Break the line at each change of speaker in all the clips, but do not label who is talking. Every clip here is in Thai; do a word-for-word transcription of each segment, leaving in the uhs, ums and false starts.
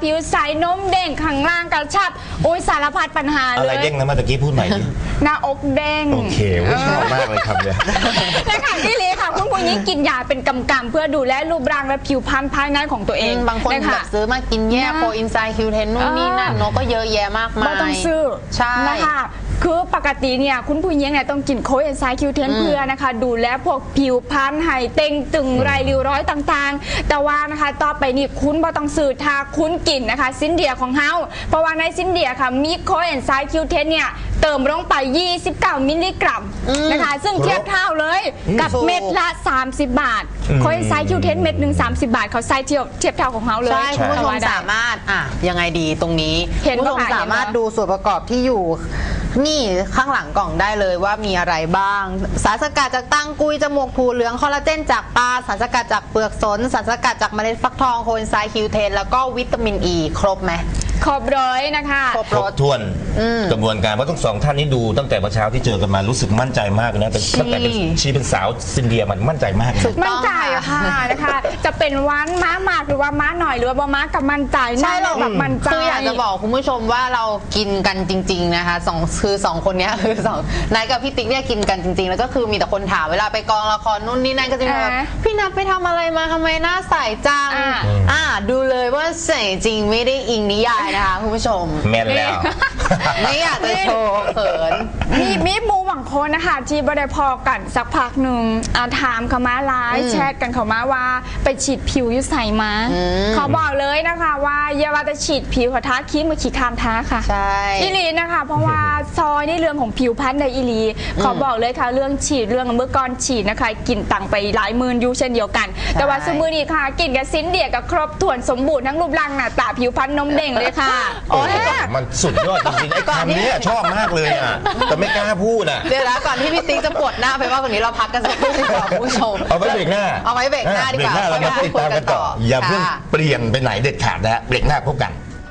ผิวใสนมเด้งข้างล่างกระชับโอ้ยสารพัดปัญหาเลย
อะไรเด้งนะเมื่อกี้พูดใหม่ดิ
หน้าอกเด้ง
โอเคชอบมากเลยครับเนี่ย
นะคะพี่ลีค่ะคุณผู้หญิงกินยาเป็นกำกำเพื่อดูแลรูปร่างและผิวพรรณภายในของตัวเอง
บางคนแบบซื้อมากินแย่โปรอินไซด์คิวเทนนู่นนี่นั่นเนาะก็เยอะแยะมากมาย
ไม่ต้องซื้อ
ใช่
นะคะคือปกติเนี่ยคุณผู้หญิงเนี่ยต้องกินโคเอนไซม์คิวเทนเพื่อนะคะดูแลพวกผิวพรรณไห่เต่งตึงไรริ้วร้อยต่างๆแต่ว่านะคะต่อไปนี่คุณบ่ต้องซื้อทาคุณกินนะคะซินเดียของเฮาเพราะว่าในซินเดียค่ะมีโคเอนไซม์คิวเทนเนี่ยเติมลงไปยี่สิบเก้ามิลลิกรัมนะคะซึ่งเทียบเท่าเลยกับเม็ดละสามสิบบาทโคเอนไซม์คิวเทนเม็ดหนึ่งสามสิบบาทเขาใส่เทียบเทียบเท่าของเฮาเลย
ใช่คุณผู้ชมสามารถอ่ะยังไงดีตรงนี้คุณผู้ชมสามารถดูส่วนประกอบที่อยู่นี่ข้างหลังกล่องได้เลยว่ามีอะไรบ้างสารสกัดจากตังกุยจมูกถั่วเหลืองคอลลาเจนจากปลาสารสกัดจากเปลือกสนสารสกัดจากเมล็ดฟักทองโคเอนไซม์คิวเทนแล้วก็วิตามินอีครบไหม
ครบร้อยนะคะ
ครบถ้วนกระบวนการเพราะทั้งสองท่านนี้ดูตั้งแต่เมื่อเช้าที่เจอกันมารู้สึกมั่นใจมากนะตั้งแต่เป็นชีเป็นสาวซินเดียมันมั่นใจมาก
มั่นใจค่ะนะคะจะเป็นวันม้ามากหรือว่าม้าหน่อยหรือว่าม้ากับมั่นใจ
ใช่เรา
แบบมั่นใจ
คืออยากจะบอกคุณผู้ชมว่าเรากินกันจริงๆนะคะสองคือสองคนนี้คือสองนายกับพี่ติ๊กเนี่ยกินกันจริงๆแล้วก็คือมีแต่คนถามเวลาไปกองละครนู่นนี่นั่นก็จะแบบพี่นัทไปทำอะไรมาทำไมหน้าใสจังอ่าดูเลยว่าใสจริงไม่ได้อิงนิยายนะคะคุณผู้ชม
แม่นแล้ว
ไม่อยากจะโชว์เขิน
มีมีมูหวังคนนะคะที่บได้พอกันสักพักหนึ่งถามเขามาไลน์แชทกันเขามาว่าไปฉีดผิวยุใส่มาเขาบอกเลยนะคะว่าอย่าว่าจะฉีดผิวเขาท้าคิ้มมาฉีดคามท้าค่ะ
ใช่
อีลีนะคะเพราะว่าซอยนี่เรื่องของผิวพรรณในอีลีเขาบอกเลยค่ะเรื่องฉีดเรื่องเมื่อก่อนฉีดนะคะกินตังไปหลายหมื่นยูเช่นเดียวกันแต่ว่าสมือนี้ค่ะกินกับซินเดียกับครบถ้วนสมบูรณ์ทั้งรูปร่างหน้าตาผิวพรรณนมเด้งเลยค่ะ
โอ้ยมันสุดยอดจริงๆไอ้คำนี้ชอบมากเลยอ่ะแต่ไม่กล้าพูดอ่ะ
เดี๋ยวนะก่อนที่พี่ติ๊กจะปวดหน้าไปว่าคนนี้เราพักกันสักครู่ดีกว่าคุณผู้ชม
เอาไว้เบรกหน้า
เอาไว้เบรกหน้าดีกว่า
เรามาติดตามกันต่ออย่าเพิ่งเปลี่ยนไปไหนเด็ดขาดนะเบรกหน้าพบกัน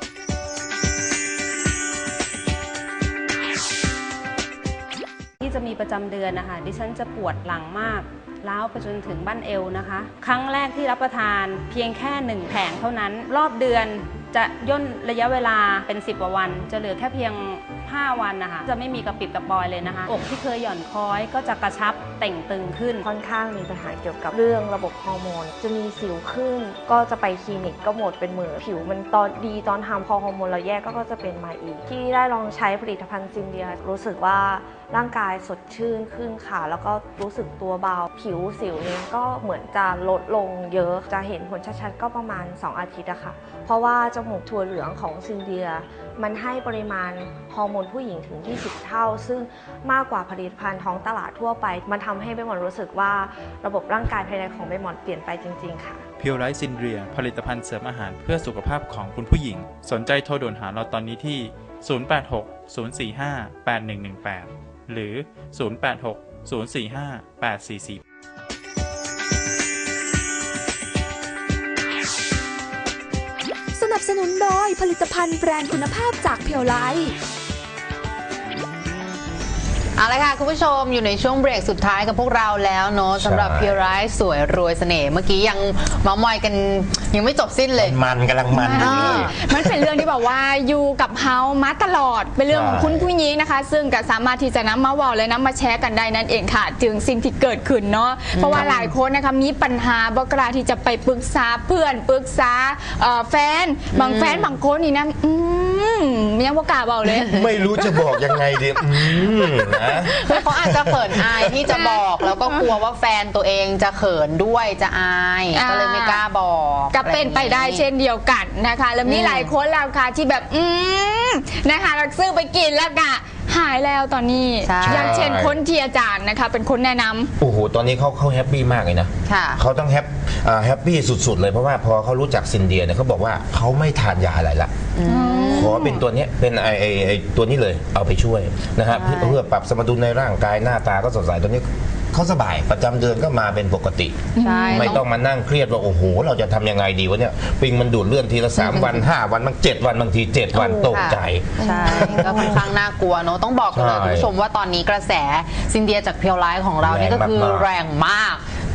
ที่จะมีประจำเดือนนะคะดิฉันจะปวดหลังมากล้าวไปจนถึงบั้นเอวนะคะครั้งแรกที่รับประทานเพียงแค่หนึ่งแผงเท่านั้นรอบเดือนจะย่นระยะเวลาเป็นสิบกว่าวันจะเหลือแค่เพียงห้าวันนะคะจะไม่มีกระปิดกระปอยเลยนะคะอกที่เคยหย่อนคล้อยก็จะกระชับเต่งตึงขึ้น
ค่อนข้างมีปัญหาเกี่ยวกับเรื่องระบบฮอร์โมนจะมีสิวขึ้นก็จะไปคลินิกก็หมดเป็นหมื่นผิวมันตอนดีตอนทำพอฮอร์โมนเราแยกก็จะเป็นมาอีกที่ได้ลองใช้ผลิตภัณฑ์ซินเดียรู้สึกว่าร่างกายสดชื่นขึ้นค่ะแล้วก็รู้สึกตัวเบาผิวสิวเนี่ยก็เหมือนจะลดลงเยอะจะเห็นผลชัดๆก็ประมาณสองอาทิตย์อะค่ะเพราะว่าจมูกถั่วเหลืองของซินเดียมันให้ปริมาณฮอร์โมนผู้หญิงถึงยี่สิบเท่าซึ่งมากกว่าผลิตภัณฑ์ท้องตลาดทั่วไปมันทำให้ใบหมอนรู้สึกว่าระบบร่างกายภายในของใบหมอนเปลี่ยนไปจริงๆค่ะ
เพียวไลท์ซินเดียผลิตภัณฑ์เสริมอาหารเพื่อสุขภาพของคุณผู้หญิงสนใจโทรด่วนหาเราตอนนี้ที่ศูนย์ แปด หก ศูนย์ สี่ ห้า แปด หนึ่ง หนึ่ง แปดหรือศูนย์ แปด หก ศูนย์ สี่ ห้า แปด สี่ สี่
สนับสนุนโดยผลิตภัณฑ์แบรนด์คุณภาพจากเพียวไลท์
เอาละค่ะคุณผู้ชมอยู่ในช่วงเบรกสุดท้ายกับพวกเราแล้วเนาะสำหรับเพียวไลท์สวยรวยเสน่ห์เมื่อกี้ยังเมามอยกันยังไม่จบสิ้นเลย
มันกำลังมัน
มันเป็นเรื่องที่แบบว่าอยู่กับเฮามาตลอดเป็นเรื่องของคุณผู้หญิงนะคะซึ่งก็สามารถที่จะนำมาว่าและนำมาแชร์กันได้นั่นเองค่ะถึงสิ่งที่เกิดขึ้นเนาะเพราะว่าหลายคนนะคะมีปัญหาบ่กล้าที่จะไปปรึกษาเพื่อนปรึกษาแฟนบางแฟนบางคนนี่นะอืมยังบ่กล้าบอกเลย
ไม่รู้จะบอกยังไงดีนะ
เขาอาจจะเขินอายที่จะบอกแล้วก็กลัวว่าแฟนตัวเองจะเขินด้วยจะอายก็เลยไม่กล้าบอก
ก็เป็นไปได้เช่นเดียวกันนะคะแล้วมีหลายคนแล้วค่ะที่แบบอืมนะคะเราซื้อไปกินแล้วกะหายแล้วตอนนี้อย่างเช่นคนที่อาจารย์นะคะเป็นคนแนะนำ
โอ้โหตอนนี้เขาเขาแฮปปี้มากเลยนะเขาต้องแฮปแฮปปี้สุดๆเลยเพราะว่าพอเขารู้จักซินเดียเนี่ยเขาบอกว่าเขาไม่ทานยาอะไรละขอเป็นตัวนี้เป็นไอไอไอตัวนี้เลยเอาไปช่วยนะครับเพื่อปรับสมดุลในร่างกายหน้าตาก็สดใสตัวนี้เขาสบายประจำเดือนก็มาเป็นปกติไม่ต้องมานั่งเครียดว่าโอ้โหเราจะทำยังไงดีวะเนี่ยปิงมันดูดเลื่อนทีละสามวันห้าวันบางเจ็ดวันบางทีเจ็ดวันตกใจ
ใช่ก็ค่อนข้างน่ากลัวเนาะต้องบอกเลยคุณผู้ชมว่าตอนนี้กระแสซินเดียจากเพียวไลท์ของเรานี่ก็คือแรงมาก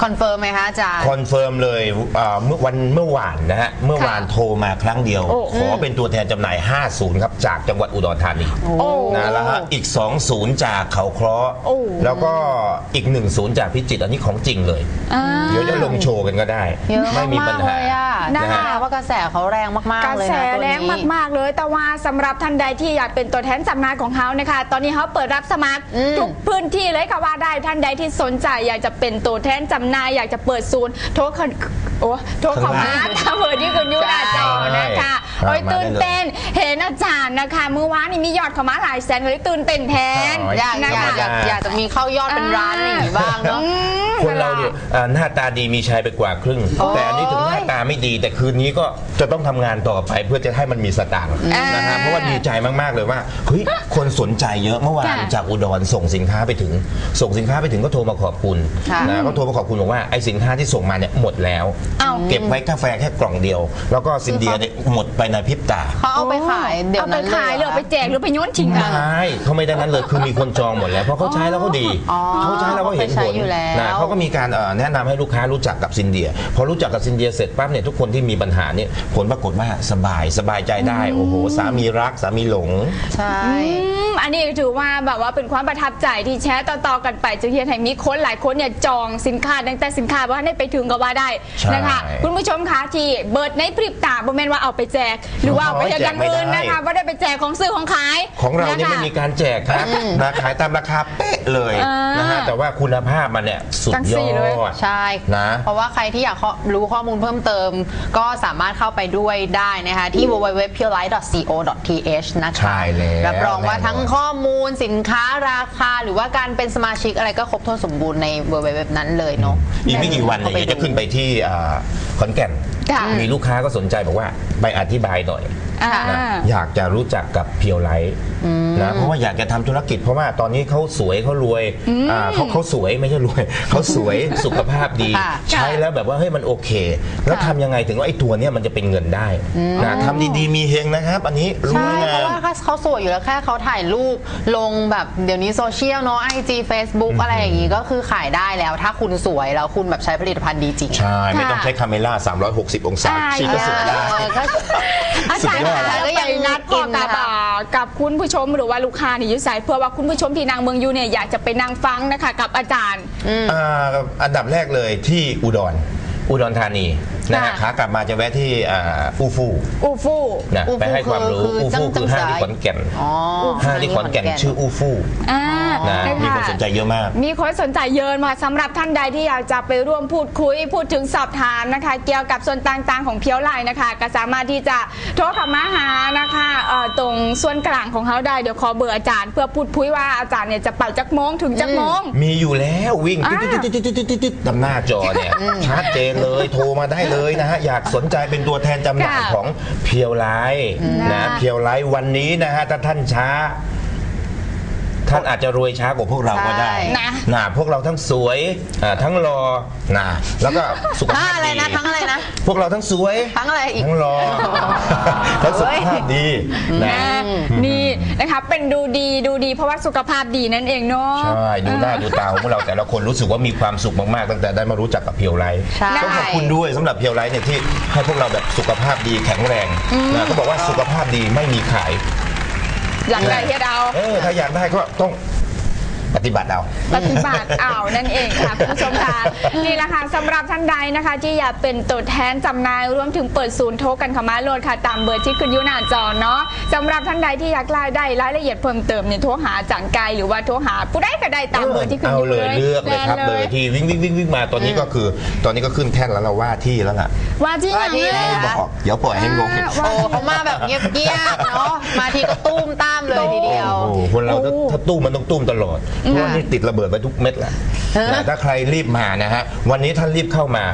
คอนเฟิร์มไหมคะอาจารย์
คอนเฟิร์มเลยเมื่อวันเมื่อวานนะฮะเมื่อวานโทรมาครั้งเดียวขอเป็นตัวแทนจำหน่ายห้าศูนย์ครับจากจังหวัดอุดรธานีนะแล้วฮะอีกสองศูนย์จากเขาเคราะห์แล้วก็อีกหนึ่งศูนย์จากพิจิตรอันนี้ของจริงเลยเดี๋ยวจะลงโชว์กันก็ได้ไม่มีปัญหา
นะฮะว่ากระแสเขาแรงมากๆเลยนะ
กระแสแรงมากๆเลยแต่ว่าสำหรับท่านใดที่อยากเป็นตัวแทนจำหน่ายของเขานะคะตอนนี้เขาเปิดรับสมัครทุกพื้นที่เลยค่ะว่าได้ท่านใดที่สนใจอยากจะเป็นตัวแทนจำหน่ายอยากจะเปิดศูนย์โทรโอ้โทรเข้ามาตามเบอร์ที่คุณยูอาจารย์นะคะโอ้ยตื่นเต้นเห็นอาจารย์นะคะเมื่อวานนี้มียอดเข้ามาหลายแสนเลยตื่นเต้นแทน
อยากอยากอยากจะมีเข้ายอดเป็นร้านอะไรอย่างนี้บ้างเนาะ
คนเราเนี่ยหน้าตาดีมีชายไปกว่าครึ่งแต่อันนี้ถึงหน้าตาไม่ดีแต่คืนนี้ก็จะต้องทำงานต่อไปเพื่อจะให้มันมีสตางค์นะฮะเพราะว่าดีใจมากๆเลยว่าเฮ้ยคนสนใจเยอะเมื่อวานจากอุดรส่งสินค้าไปถึงส่งสินค้าไปถึงก็โทรมาขอบคุณนะก็โทรมาขอบคุณบอกว่าไอ้สินค้าที่ส่งมาเนี่ยหมดแล้วเก็บไว้กาแฟแค่กล่องเดียวแล้วก็ซินเดียเนี่ยหมดไปในพริบตา
เขาเอาไปขายเดี๋ยวนั้น
เลยเอาไปขายหรือไปแจกหรือไปโยนทิ้งกัน
ใช่เขาไม่ได้นั้นเลยคือมีคนจองหมดแล้วเพราะเขาใช้แล้วเขาดีเขาใช้แล้วก็เห็นผลนะเขาก็มีการแนะนำให้ลูกค้ารู้จักกับซินเดียพอรู้จักกับซินเดียเสร็จปั๊บเนี่ยทุกคนที่มีปัญหาเนี่ยผลปรากฏว่าสบายสบายใจได้โอ้โหสามีรักสามีหลง
ใช่
อันนี้ถือว่าแบบว่าเป็นความประทับใจที่แชร์ต่อๆกันไปจึงเห็นให้มีคนหลายคนเนี่ยจองสินค้าตั้งแต่สินค้าว่าให้ไปถึงก็ว่าได้นะคะคุณผู้ชมคะที่เบิร์ดในพริบตาโมเมนต์ว่าเอาไปแจกหรือว่าเอาไปแจกอย่างอื่นนะคะว่าได้ไปแจกของซื้อของขาย
ของเราเนี่ยไม่มีการแจกครับนะขายตามราคาเป๊ะเลยนะฮะแต่ว่าคุณภาพมันเนี่ยสุดยอด
ใช่นะเพราะว่าใครที่อยากรู้ข้อมูลเพิ่มเติมก็สามารถเข้าไปด้วยได้นะคะที่ ดับเบิลยู ดับเบิลยู ดับเบิลยู ดอท พี แอล ไลท์ ดอท ซี โอ ดอท ที เอช นะคะรับรองว่าทั้งข้อมูลสินค้าราคาหรือว่าการเป็นสมาชิกอะไรก็ครบถ้วนสมบูรณ์ในเว็บนั้นเลยเนาะ
อีกไม่กี่วันเนี่ยจะขึ้นไปที่ขอนแก่นมีลูกค้าก็สนใจบอกว่าไปอธิบายหน่อยนะอยากจะรู้จักกับเพียวไลท์นะเพราะว่าอยากจะทำธุรกิจเพราะว่าตอนนี้เขาสวยเขารวยเขาเขาสวยไม่ใช่รวยเขาสวยสุขภาพดีใช้แล้วแบบว่าเฮ้ยมันโอเคแล้วทำยังไงถึงว่าไอ้ตัวเนี้ยมันจะเป็นเงินได้นะทำดีๆมีเฮงนะครับอันนี้
ใช่เพราะว่าเขาสวยอยู่แล้วแค่เขาถ่ายรูปลงแบบเดี๋ยวนี้โซเชียลเนาะไอจีเฟซบุ๊กอะไรอย่างงี้ก็คือขายได้แล้วถ้าคุณสวยแล้วคุณแบบใช้ผลิตภัณฑ์ดีจริง
ใช่ไม่ต้องใช้คาเมล่าสามร้อยหกสิบองศาชีก็สวยได้
อาจารย์ก็ยังนัดพอกับกับคุณผู้ชมหรือว่าลูกค้านี่ยุสายเพื่อว่าคุณผู้ชมที่นางเมืองยูเนี่ยอยากจะไปนั่งฟังนะคะกับอาจารย์
อันดับแรกเลยที่อุดรอุดรธานีนะฮะขากลับมาจะแวะที่อูฟู
อูฟู
นะไปให้ความรู้อูฟูคือห้างที่ขอนแก่นห้างที่ขอนแก่นชื่ออูฟูนะมีคนสนใจเยอะมาก
มีคนสนใจเยอะมาสำหรับท่านใดที่อยากจะไปร่วมพูดคุยพูดถึงสอบถามนะคะเกี่ยวกับส่วนต่างๆของเพียวไลน์นะคะก็สามารถที่จะโทรเข้ามาหานะคะตรงส่วนกลางของเขาได้เดี๋ยวขอเบอร์อาจารย์เพื่อพูดคุยว่าอาจารย์เนี่ยจะเป่าจักโมงถึงจักโมง
มีอยู่แล้ววิ่งติ๊ดๆๆๆๆดำหน้าจอเนี่ยชัดเจนเลยโทรมาได้เลยนะฮะอยากสนใจเป็นตัวแทนจำหน่ายของเพียวไลท์นะเพียวไลท์วันนี้นะฮะถ้าท่านช้าท่านอาจจะรวยช้ากว่าพวกเราก็ได้นะพวกเราทั้งสวยทั้งรอนะแล้วก็สุขภาพ
ดีนะทั้งอะไรนะ
พวกเราทั้งสวย
ทั้งอะไรอีก
ทั้งรอทั้งสุขภาพดี
นะนี่นะคะเป็นดูดีดูดีเพราะว่าสุขภาพดีนั่นเองเนาะ
ใช่ดูหน้าดูตาของพวกเราแต่ละคนรู้สึกว่ามีความสุขมากๆตั้งแต่ได้มารู้จักกับเพียวไลท์ต้องขอบคุณด้วยสำหรับเพียวไลท์เนี่ยที่ให้พวกเราแบบสุขภาพดีแข็งแรงนะเขาบอกว่าสุขภาพดีไม่มีขาย
อยากได้เฮียดาว
เออถ้าอยากได้ก็ต้องปฏิบัติเอา
ปฏิบัติเอานั่นเองค่ะคุณผู้ชมค่ะนี่แหละค่ะสำหรับท่านใดนะคะที่อยากเป็นตัวแทนจำหน่ายรวมถึงเปิดศูนย์โทรกันเข้ามาโหลดค่ะตามเบอร์ที่ขึ้นอยู่หน้าจอเนาะสำหรับท่านใดที่อยากได้รายละเอียดเพิ่มเติมเนี่ยโทรหาจังไกหรือว่าโทรหาผู้ใดก็ได้ตามเบอร์ที่ขึ้นอยู่
เลยเลือกเลยครับเบอร์ที่วิ่งวิ่งวิ่งวิ่งมาตอนนี้ก็คือตอนนี้ก็ขึ้นแท่นแล้วเราว่าที่แล้วล่ะ
ว่าที่
ไม่บอกเดี๋ยวปล่อยให้งง
โอ้เขามาแบบเงียบเงียบเนาะมาทีก็ตุ้มตามเลยทีเดียว
คนเราถ้าตุ้มมันต้องตุ้มตลอดเพราะว่านี่ติดระเบิดไปทุกเม็ดแหละถ้าใครรีบมานะฮะวันนี้ท่านรีบเข้ามา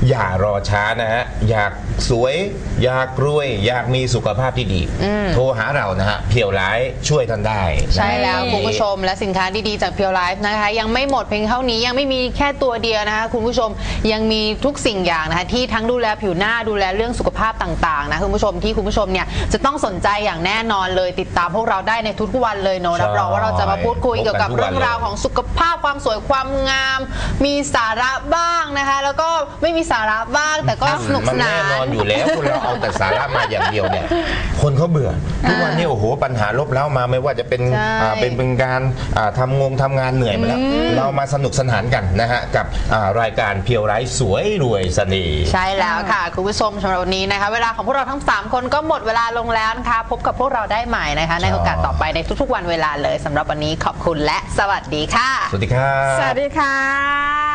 อย่ารอช้านะฮะอยากสวยอยากรวยอยากมีสุขภาพที่ดีโทรหาเรานะฮะเพียวไลฟ์ช่วยท่านได้
ใช่แล้วคุณผู้ชมและสินค้าดีๆจากเพียวไลฟ์นะคะยังไม่หมดเพียงเท่านี้ยังไม่มีแค่ตัวเดียวนะคะคุณผู้ชมยังมีทุกสิ่งอย่างนะคะที่ทั้งดูแลผิวหน้าดูแลเรื่องสุขภาพต่างๆนะคุณผู้ชมที่คุณผู้ชมเนี่ยจะต้องสนใจอย่างแน่นอนเลยติดตามพวกเราได้ในทุกๆวันเลยเนอะรับรองว่าเราจะมาพูดคุยเกี่ยวกับเรื่องราวของสุขภาพความสวยความงามมีสาระบ้างนะคะแล้วก็ไม่มีสาระบ้างแต่ก็สนุกสนาน
แน่นอนอยู่แล้วคนเราเอาแต่สาระมาอย่างเดียวเนี่ยคนเขาเบื่อทุกวันนี้โอ้โหปัญหาลบเล้ามาไม่ว่าจะเป็นอ่าเป็นเป็นการอ่าทำงงทำงานเหนื่อยมาแล้วเรามาสนุกสนานกันนะฮะกับอ่ารายการเพียวไร้สวยรวยเสน่ห์
ใช่แล้วค่ะคุณผู้ชมสำหรับวันนี้นะคะเวลาของพวกเราทั้งสามคนก็หมดเวลาลงแล้วนะคะพบกับพวกเราได้ใหม่นะคะในโอกาสต่อไปในทุกๆวันเวลาเลยสำหรับวันนี้ขอบคุณและสวัสดีค่ะ
สวัสดีครับ
สวัสดีค่ะ